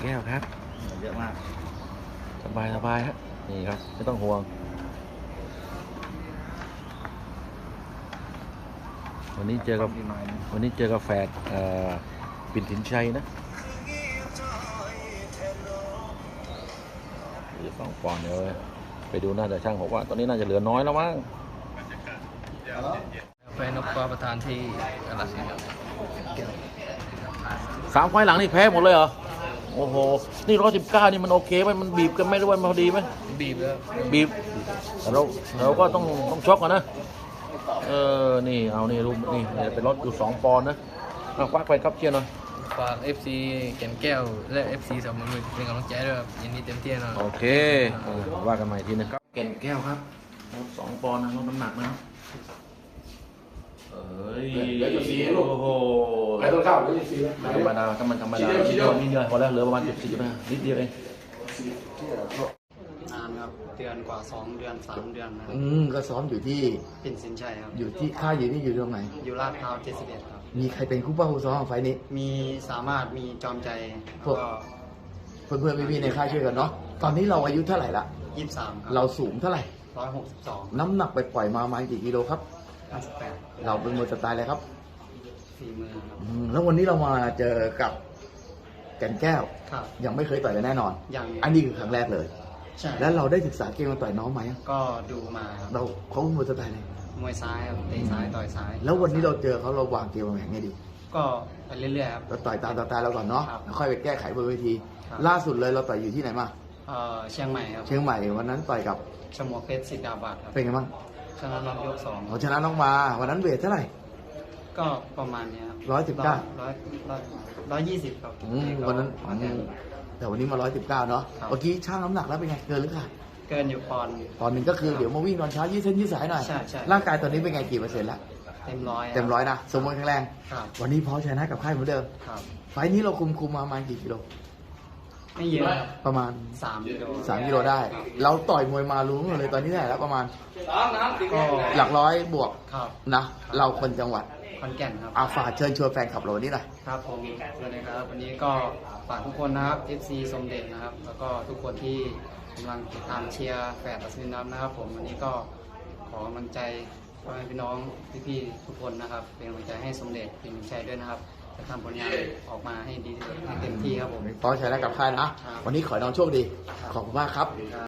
แก้วครับเยอะมากสบายสบายฮะนี่ครับไม่ต้องห่วงวันนี้เจอกับแฝดปิ่นสินชัยนะหรือ2 ปอนด์เดี๋ยวไปดูน่าจะช่างบอกว่าตอนนี้น่าจะเหลือน้อยแล้วมั้งไปนกกอประธานที่กาฬสินธุ์ 3 ไฟล์หลังนี่แพ้หมดเลยเหรอโอ้โหนี่119นี่มันโอเคไหมมันบีบกันไม่ด้วยมันพอดีไหมบีบแล้วบีบแต่เราก็ต้องชกก่อนนะนี่เอานี่รูปนี่เป็นรถอยู่2 ปอนด์นะเอาควักไปครับเชียร์หน่อยฝาก FC แก่นแก้วและ FC สามมือเป็นกำลังใจด้วยครับยินดีเต็มที่นะโอเคว่ากันใหม่ทีนึงครับแก่นแก้วครับ2 ปอนด์นะลดน้ำหนักนะโอ้โหไอ้ต้นข้าวไม่ใช่ซีแล้วธรรมดาถ้ามันธรรมดานิดเดียวพอแล้วเหลือประมาณ10นะนิดเดียวเองนานครับเดือนกว่า2 เดือน3 เดือนนะก็ซ้อมอยู่ที่ปิ่นสินชัยครับอยู่ที่ค่ายอยู่นี่อยู่ตรงไหนอยู่ลาดพร้าว71ครับมีใครเป็นคู่ป้าคู่ซ้อมของไฟนี้มีสามารถมีจอมใจพวกเพื่อนๆพี่ๆในค่ายช่วยกันเนาะตอนนี้เราอายุเท่าไหร่ละ 23ครับเราสูงเท่าไหร่ 162 น้ำหนักไปปล่อยมาประมาณกี่กิโลครับ 58 เราเป็นมวยสไตล์อะไรครับฝีมือครับแล้ววันนี้เรามาเจอกับแก่นแก้วครับยังไม่เคยต่อยกันแน่นอนยังอันนี้คือครั้งแรกเลยใช่แล้วเราได้ศึกษาเกมมาต่อยน้องไหมก็ดูมาเราเขาเป็นมวยสไตล์อะไรมวยซ้ายครับเตะซ้ายต่อยซ้ายแล้ววันนี้เราเจอเขาเราวางเกมมาไงดีก็ไปเรื่อยๆครับเราต่อยตามสไตล์เราก่อนเนาะแล้วค่อยไปแก้ไขบนเวทีล่าสุดเลยเราต่อยอยู่ที่ไหนมาเชียงใหม่ครับเชียงใหม่วันนั้นต่อยกับชมวกเพชรสิทธิ์ดาบาดครับเป็นไงบ้างชนะน็อกยก2 เขาชนะน้องมาวันนั้นเวทเท่าไหร่ก็ประมาณนี้ครับ120ครับวันนั้นแต่วันนี้มา119เนาะเมื่อกี้ช่างน้ำหนักแล้วเป็นไงเกินหรือขาดเกินอยู่ปอนด์หนึ่งก็คือเดี๋ยวมาวิ่งตอนเช้ายืดเส้นยืดสายหน่อยใช่ร่างกายตอนนี้เป็นไงกี่เปอร์เซ็นต์แล้วเต็มร้อยนะสมบูรณ์แข็งแรงวันนี้พร้อมชนะกับค่ายเหมือนเดิมไฟนี้เราคุมมาประมาณกี่กิโลไม่เยอะประมาณ 3 กิโลได้เราต่อยมวยมารู้เลยตอนนี้ได้แล้วประมาณหลักร้อยบวกนะเราคนจังหวัดขอนแก่นครับฝากเชิญชวนแฟนคลับเราวันนี้หน่อยครับผมสวัสดีครับวันนี้ก็ฝากทุกคนนะครับ FC สมเด็จนะครับแล้วก็ทุกคนที่กำลังติดตามเชียร์แฝดอัศวินน้ำนะครับผมวันนี้ก็ขอกำลังใจพ่อแม่พี่น้องพี่ๆทุกคนนะครับเป็นกำลังใจให้สมเด็จปิ่นชัยด้วยนะครับจะทำผลงานออกมาให้ดีที่สุดให้เต็มที่ครับผมพร้อมชนะกับค่ายนะวันนี้ขอให้น้องโชคดีขอบคุณมากครับ